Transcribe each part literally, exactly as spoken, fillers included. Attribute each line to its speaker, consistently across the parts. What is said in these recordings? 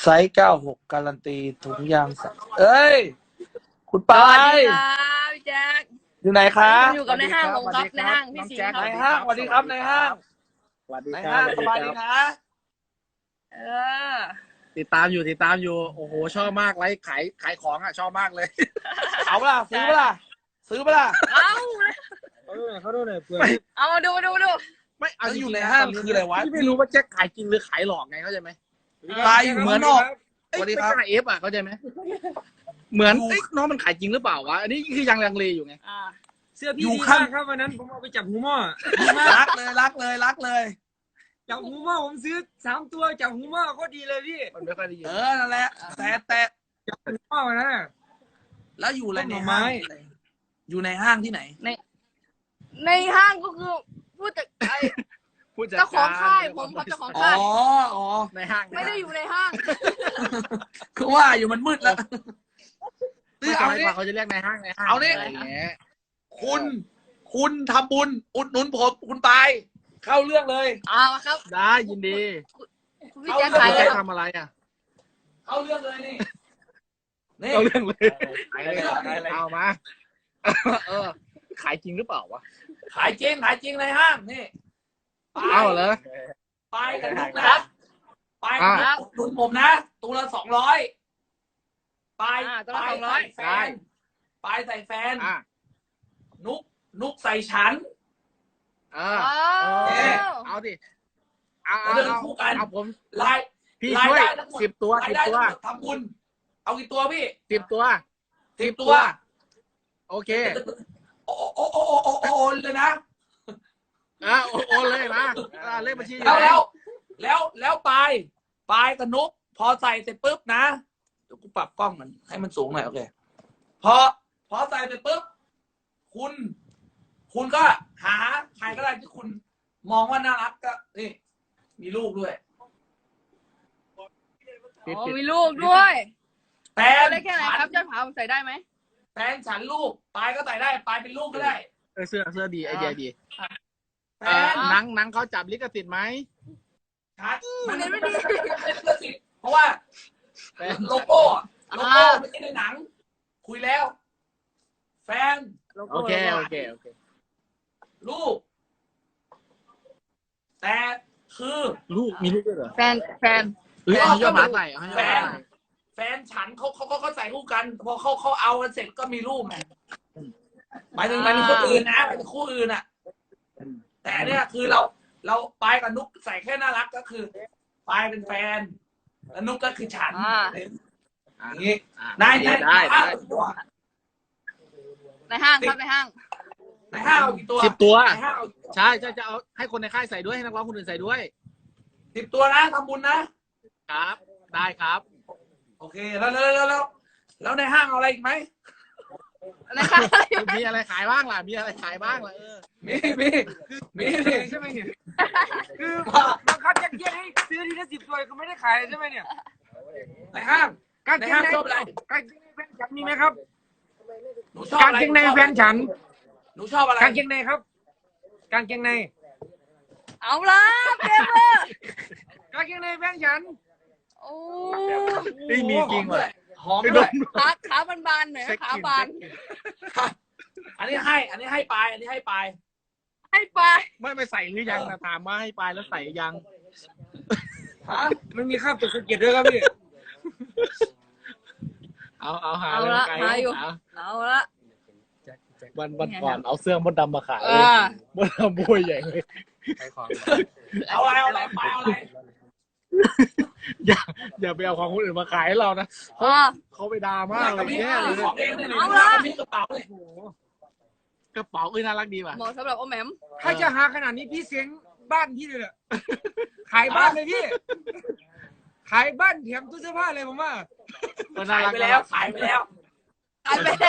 Speaker 1: ไซส์เก้าหกการันตีถุงยางสัเอ้ยคุณปา
Speaker 2: สวัส
Speaker 1: ย
Speaker 2: ดีครับพี่แจ็ค
Speaker 1: อยู่ไหนคะ
Speaker 2: อยู่กับในห้างผมครับในห้างพี่สิงห์ค
Speaker 1: ใน
Speaker 2: รับ
Speaker 1: ห้างสวัสดีครับในห้าง
Speaker 3: สวัสดี
Speaker 1: ใน
Speaker 3: ครั
Speaker 1: ห้า
Speaker 3: บ
Speaker 1: งสบายดีนะ
Speaker 2: เออ
Speaker 3: ติดตามอยู่ติดตามอยู่โอ้โหชอบมากไลฟ์ขายขายของอ่ะชอบมากเลย
Speaker 1: เอาเปล่าซื้อเปล่าซื้อเปล่า
Speaker 2: เอา
Speaker 3: เขาดูหน่อยเขาดูหน่อยเพื่อ
Speaker 2: เอาดูดูดู
Speaker 3: ไม่เอา
Speaker 1: แล้วอยู่
Speaker 3: จริงๆ
Speaker 1: ใน
Speaker 3: นะ
Speaker 1: ห้าง
Speaker 3: ตนนี้
Speaker 1: คืออะไรวะ
Speaker 3: พี่ไม่รู้ว่าแจ็คขายจริงหรือขายหลอกไงเข้าใจไหม
Speaker 1: ตายอยู่เหมือนออก
Speaker 3: เอ้ย
Speaker 1: สวัสดี
Speaker 3: ไม่
Speaker 1: ครับ
Speaker 3: กล้าเอฟอ่ะเข้าใจไหมเหมือน
Speaker 1: อยู่
Speaker 3: เอ้ยน้องมันขายจริงหรือเปล่าวะอันนี้คือยังลังเลอยู่ไง
Speaker 2: อ่า
Speaker 4: เสื้อพี่
Speaker 1: อยู่
Speaker 4: ดี
Speaker 1: ข้าง
Speaker 4: มากครับวันนั้นผมเอาไปจับหูหม้อดีมาก
Speaker 1: รักเลยรักเลยรักเลย
Speaker 4: จับหูหม้อผมซื้อสามตัวจับหูหม้อก็ดีเลยพี่
Speaker 3: มันไม่ค่อยได้ยิน
Speaker 1: เออนั่นแหละแต่แต่
Speaker 4: หูหม้อวันนั้นน่ะ
Speaker 1: แล้วอยู่อะไรใน
Speaker 4: ต้นหน่อไม้
Speaker 1: ห้างอยู่ในห้างที่ไหน
Speaker 2: ในในห้างก็คือผู้จัดไอ
Speaker 3: ผู้จัด
Speaker 2: เจ้าของ
Speaker 3: กร
Speaker 2: ค่ายผมครับเจ้าของ
Speaker 1: อ๋อ
Speaker 2: ค่าย
Speaker 1: อ๋อ
Speaker 3: ในห้าง
Speaker 2: ไม่ได้อยู่ในห้าง
Speaker 1: คือว่าอยู่มันมืดแล้ว
Speaker 3: ไม่
Speaker 1: ซื้อ
Speaker 3: เอา
Speaker 1: เอา
Speaker 3: ดี
Speaker 1: นี่
Speaker 3: กว่าเขาจะเรียกในห้างในห้าง
Speaker 1: เอานี่
Speaker 3: ะไรย่างเงี้ย
Speaker 1: คุณคุณทำบุญอุดหนุนผมคุณปายเข้าเรื่องเลย
Speaker 2: เอาครับ
Speaker 3: ได้ยินดี
Speaker 2: คุณพี่แจ็ค
Speaker 1: เอา
Speaker 2: ขาย
Speaker 3: ใค
Speaker 2: เล
Speaker 3: ร
Speaker 2: ยครับ
Speaker 3: ทำอะไรอ่ะ
Speaker 1: เข้าเรื่องเลยนี่นี่
Speaker 3: เอาเรื่องเลย
Speaker 1: ขายเลยขายเลย
Speaker 3: เอามาเออขายจริงหรือเปล่าวะ
Speaker 1: ขายจริงขายจริงในห้างนี่ปาย
Speaker 3: เอาเหรอ
Speaker 1: ปายกับนุกนะปายกับนุกอุดหนุนผมนะตัวละสองร้อยปาย
Speaker 2: อ่าตัวละ
Speaker 1: ปาย
Speaker 2: สองร้อย
Speaker 1: ใส่แฟนปายใส่แฟน
Speaker 3: อ่ะ
Speaker 1: นุกนุกใส่ฉัน
Speaker 3: เออ
Speaker 2: อ๋อ
Speaker 3: เออเอาดิเอาเอา
Speaker 1: เดิน
Speaker 3: เอา
Speaker 1: คู่กัน
Speaker 3: เอาผม
Speaker 1: ราย
Speaker 3: พี่
Speaker 1: ราย
Speaker 3: ช่วย
Speaker 1: ได้ทั้งหมด
Speaker 3: สิบตัว
Speaker 1: ราย
Speaker 3: สิบ
Speaker 1: ได้
Speaker 3: ตัว
Speaker 1: ทั้งหมดทำบุญเอากี่ตัวพี่
Speaker 3: สิบตัว
Speaker 1: สิบตัว
Speaker 3: โอเค
Speaker 1: โอ้โอ้โอ้โอ้โอ้โอ้เลยนะ
Speaker 3: อ่ะโอนโอนเลยนะอ่ะเลขบัญชีอยู่
Speaker 1: แล้ว
Speaker 3: ไหน
Speaker 1: แล้วแล้วแล้วปลายปลายกับนุกพอใส่เสร็จปุ๊บนะเดี๋ยวกูปรับกล้องมันให้มันสูงหน่อยโอเคพอพอใส่เสร็จปุ๊บคุณ คุณก็หาใครก็ได้ที่คุณมองว่าน่ารักก็นี่มีลูกด้วย
Speaker 3: ปิด
Speaker 2: อ๋อ
Speaker 3: ปิด
Speaker 2: มีลูกด้วย
Speaker 1: แฟ
Speaker 2: เอา
Speaker 1: น
Speaker 2: ได้แค่ไหนครับยอดผาผมใส่ได้ไหม
Speaker 1: แฟนฉันลูกปลายก็ใส่ได้ปลายเป็นลูกก็ได้
Speaker 3: เออเสื้อเสื้อดีไอเดียดี
Speaker 1: แฟ
Speaker 3: เออน หนังหนังเขาจับลิขสิทธิ์ไหม
Speaker 1: ชัด
Speaker 2: มันไม่ดี
Speaker 1: เพราะว่า
Speaker 3: แฟน
Speaker 1: โลโก้โลโก้
Speaker 2: อ่า
Speaker 1: ไม่ใช่ในหนัง คุยแล้ว แฟน
Speaker 3: โอเคโอเคโอเค
Speaker 1: ลูก แต่คือ
Speaker 3: ลูกมีลูกด้วยเหรอ
Speaker 2: แฟนแฟน
Speaker 3: เฮ้ยเอาให้ยอดหมาใส่เอาให้ยอดหมาใส่
Speaker 1: แฟนฉันเขาเขาเขาเขาใส่คู่กัน พอเขาเขาเอากันเสร็จก็มีรูปไงหมายถึงหมายถึงคนอื่นนะหมายถึงคู่อื่นอ่ะ แต่เนี่ยคือเรา เราปายกับนุกใส่แค่น่ารักก็คือปายเป็นแฟนแล้วนุกก็คือฉัน
Speaker 2: อ่า
Speaker 1: อย่างนี้
Speaker 3: อ่ะ
Speaker 1: นายนาย
Speaker 3: ได้
Speaker 1: ในห้า
Speaker 3: ได้
Speaker 1: งกี่ตัว
Speaker 2: ในห้างครับในห้าง
Speaker 1: ในห้างเอากี่ตัว
Speaker 3: สิบตัว
Speaker 1: ในห้างเอา
Speaker 3: ใช่ใช่จะเอาให้คนในค่ายใส่ด้วยให้นักร้องคนอื่นใส่ด้วย
Speaker 1: สิบตัวนะทำบุญนะ
Speaker 3: ครับ ได้ครับ
Speaker 1: โอเคแล้วแล้วแล้วแล้วแล้วในห้างเอาอะไรอีกไหม
Speaker 2: ในห้าง
Speaker 3: มีอะไรขายบ้างล่ะมีอะไรขายบ้างล่ะเออ
Speaker 1: มีมีมีมี
Speaker 4: ใช่ไหมเนี่ยคือบังคับยัดเยียดให้ซื้อทีละสิบตัวคือไม่ได้ขายเลยใช่ไหมเนี่ย
Speaker 1: ในห้าง
Speaker 4: กาง
Speaker 1: ใน
Speaker 4: เกง
Speaker 1: ห้าง
Speaker 4: ใน
Speaker 1: ชอบอะไร
Speaker 4: กางเกงในแฟนฉันมีไหมครับ
Speaker 1: หนูชอบ
Speaker 4: กาง
Speaker 1: อะไร
Speaker 4: เกงในแฟนฉัน
Speaker 1: หนูชอบอะไร
Speaker 4: กางเกงในครับ กางเกงใน
Speaker 2: เอาละเต็มเลย
Speaker 4: กางเกงในแฟนฉัน
Speaker 2: โอ้
Speaker 3: เฮ้ยมีจริงว่ะ
Speaker 1: หอมด้วย
Speaker 2: ขาขาบานๆหน่อยนะขาบาน
Speaker 1: อันนี้ให้ อันนี้ให้ปลายอันนี้ให้ปลาย
Speaker 2: ให้ไป
Speaker 3: ไม่ไม่ใส่หรือยังนะถามว่าให้ไปแล้วใส่ยัง
Speaker 1: ฮะ
Speaker 4: มันมีข้าวตกสะเก็ดด้วยครับพี่
Speaker 3: เอาเอาหา
Speaker 2: เอา
Speaker 3: เลย
Speaker 2: ละ
Speaker 3: ไกล
Speaker 2: หาอยู่
Speaker 3: เอา
Speaker 2: เอาละ
Speaker 3: วันวันก่อนเอาเสื้อมดดำมาขาย
Speaker 2: อ่า
Speaker 3: มดดำบวยใหญ่เลย
Speaker 1: เอาอะไรเอาอะไรปลายเอาอะไร
Speaker 3: อย่าอย่าไปเอาของคนอื่นมาขายให้เรานะ
Speaker 2: อ่า
Speaker 3: เขาไปด่ามากเลยแย่เลย
Speaker 1: ของเองเนี่ย
Speaker 2: เอาละ
Speaker 1: มีกระเป๋าเลย
Speaker 3: กระเป๋าเอ้ยน่ารักดีว่ะ
Speaker 2: เหมาะสำหรับโอแหมม
Speaker 4: ถ้าจะหาขนาดนี้พี่เสียงบ้านพี่เลยอะขายบ้านเลยพี่ ขายบ้านแถมตู้เสื้อผ้าเลยผมว่า
Speaker 3: ก็น่า
Speaker 1: ขาย
Speaker 3: รัก
Speaker 1: ไปแล้วขายไปแล้ว
Speaker 2: ขายไปแล้ว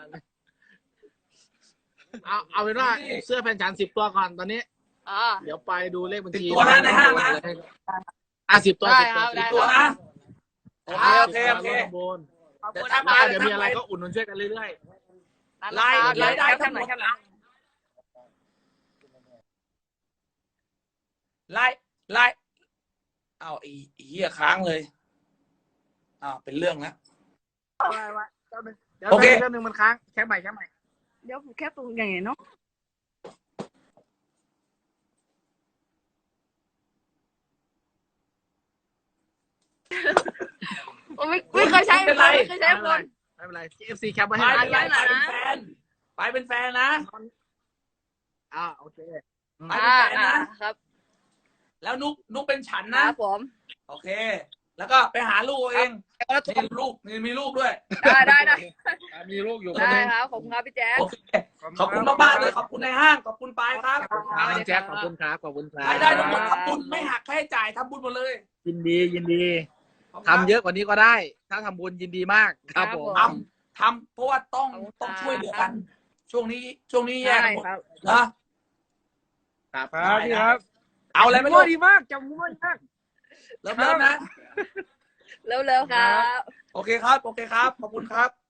Speaker 3: เอาเอาเป็นว่าเสื้อแฟนฉันสิบตัวก่อนตอนนี้
Speaker 2: อ่า
Speaker 3: เดี๋ยวไปดูเลขบัญชี
Speaker 1: สิบตัวนะในห้างนะ
Speaker 3: อ่ะสิบตัว
Speaker 2: ได้
Speaker 3: สิบ
Speaker 2: ค
Speaker 3: ตั
Speaker 2: รั
Speaker 3: ว
Speaker 2: บ
Speaker 3: สิบ
Speaker 2: ได้
Speaker 3: ตัว
Speaker 1: นะ โอเคโอเคโอเค
Speaker 3: บน
Speaker 1: เดี๋ยว
Speaker 3: แล้ว
Speaker 1: ทำมา
Speaker 3: ก็เดี๋ยวมีอะไรก็อุดหนุนช่วยกันเรื่อย
Speaker 1: รายรายได้
Speaker 2: แค่
Speaker 1: ทั้ง
Speaker 2: ไห
Speaker 1: ห
Speaker 2: น
Speaker 1: มด
Speaker 2: แค่ไหน
Speaker 1: รายรายเอาอีเหี้ยค้างเลยอ้าวเป็นเรื่องแล้ว
Speaker 3: ไว้ไว้เจ้าหนึ่งเดี๋ยว
Speaker 1: โอเค
Speaker 3: เจ้าหนึ่งมันค้างแค่ใหม่แค่ใหม่
Speaker 2: เดี๋ยวผมแค่ตรงอย่างไงเนาะผมไม่ไม่เคยใช้
Speaker 1: ไม่เป็นไร
Speaker 2: ไม่เคยใช้คน
Speaker 3: ไม่เป็นไร เอฟซี แคปไว้
Speaker 1: ไป
Speaker 3: ให้
Speaker 1: เป็นไร
Speaker 2: อ่ะ
Speaker 1: ไปเป็นแฟนไปเป็นแฟนนะ
Speaker 3: อ่าโอเค
Speaker 1: ไป
Speaker 2: อ่า
Speaker 1: เป็นแฟน
Speaker 2: อ่า
Speaker 1: นะครับ แล้วนุกนุกเป็นฉัน
Speaker 2: ค
Speaker 1: นะ
Speaker 2: รับผม
Speaker 1: โอเค แล้วก็ไปหาลูกเอาเอง
Speaker 3: แล้วทุก
Speaker 1: นี่ลูกนี่มีลูกด้วย
Speaker 2: ได้ได้ได้
Speaker 3: มีลูกอยู่คน
Speaker 2: ได้
Speaker 3: หนึง
Speaker 2: ครับขอบคุณครับพี่แจ๊ค
Speaker 1: โอเคขอบคุณมากๆเลยขอบคุณในห้างขอบคุณปายครับ
Speaker 3: ขอบคุณครับน้องแจ็คขอบคุณครับขอบคุณครั
Speaker 1: รายได้ทั้งหมดทำบุญไม่หักค่าใช้จ่ายทำบุญหมดเลย
Speaker 3: ยินดียินดี
Speaker 1: ขบคุณ
Speaker 3: ทำเยอะกว่านี้ก็ได้ ถ้าทำบุญยินดีมากครับผม
Speaker 1: ทำทำเพราะว่าต้องต้องช่วยเหลือกัน ช่วงนี้ช่วงนี้แยกกันหมด
Speaker 2: ครับ
Speaker 1: นะครับ
Speaker 4: ครับพี่ครับ
Speaker 1: เอาอะไรไม่
Speaker 4: มั่
Speaker 1: รู้
Speaker 4: วดีมากจำมั่วดีมาก
Speaker 1: เริ่มเริ่มนะ
Speaker 2: เร็วๆครับ
Speaker 1: โอเคครับ โอเคครับ ขอบคุณครับ